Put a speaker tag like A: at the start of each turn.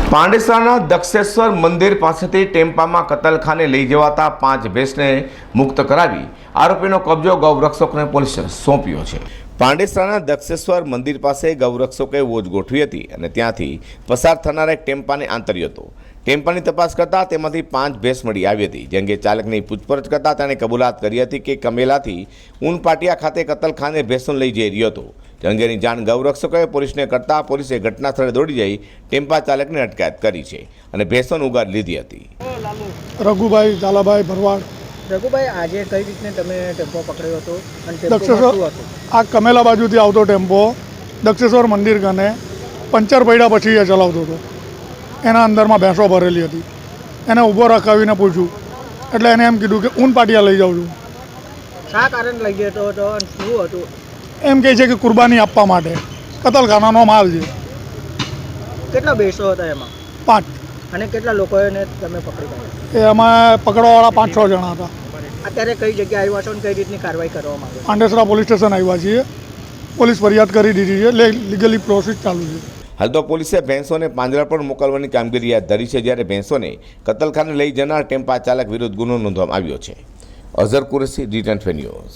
A: પાંડેસરાના દક્ષેશ્વર મંદિર પાસેથી ટેમ્પામાં કતલખાને લઈ જવાતા 5 ભેંસને મુક્ત કરાવી આરોપીનો કબજો ગૌરક્ષકોને પોલીસે સોંપ્યો છે। પાંડેસરાના દક્ષેશ્વર મંદિર પાસે ગૌરક્ષકોએ વોચ ગોઠવી હતી અને ત્યાંથી પસાર થનારા એક ટેમ્પાને આંતર્યો હતો। ટેમ્પાની તપાસ કરતા તેમાંથી 5 ભેંસ મળી આવી હતી। જે અંગે ચાલકની પૂછપરછ કરતા તેણે કબૂલાત કરી હતી કે કમેલાથી ઊનપાટિયા ખાતે કતલખાને ભેંસો લઈ જઈ રહ્યો હતો। અંગેની જાણ ગૌરક્ષકોએ પોલીસને કરતા પોલીસે ઘટના સ્થળે દોડી જઈ ટેમ્પા ચાલકની અટકાયત કરી છે અને ભેંસોને ઉગાડ લીધી હતી।
B: રઘુભાઈ ઝાલાભાઈ ભરવાડ।
C: રઘુભાઈ, આજે કઈ રીતને તમે ટેમ્પો પકડ્યો હતો અને
B: દક્ષેશ્વર આ કમેલા બાજુથી આવતો ટેમ્પો દક્ષેશ્વર મંદિર કને પંચર પડ્યા પછી એ ચલાવતો હતો। એના અંદરમાં ભેંસો ભરેલી હતી। એને ઊભો રખાવીને પૂછ્યું એટલે એને એમ કીધું કે ઊનપાટિયા લઈ જાઉં છું।
C: શા કારણ લઈ જતો હતો અને શું હતું?
B: એમ કહે છે કે કુરબાની આપવા માટે કતલખાનાનો માલ છે।
C: કેટલા ભેંસો હતા એમાં?
B: 5।
C: અને કેટલા લોકોને તમે પકડી પાડ્યા?
B: એમાં પકડવાવાળા 5-6 જણા હતા।
C: અત્યારે કઈ જગ્યાએ આવ્યા છો અને કઈ રીતની કાર્યવાહી કરવામાં આવે?
B: પાંડેસરા પોલીસ સ્ટેશન આવ્યા છીએ। પોલીસ ફરિયાદ કરી દીધી છે, લીગલી પ્રોસેસ ચાલુ છે।
A: હાલ તો પોલીસે ભેંસોને પાંજરા પર મોકલવાની કામગીરી હાથ ધરી છે, જ્યારે ભેંસોને કતલખાને લઈ જનાર ટેમ્પા ચાલક વિરુદ્ધ ગુનો નોંધવામાં આવ્યો છે। અઝર કુરેશી, જી10 ન્યૂઝ।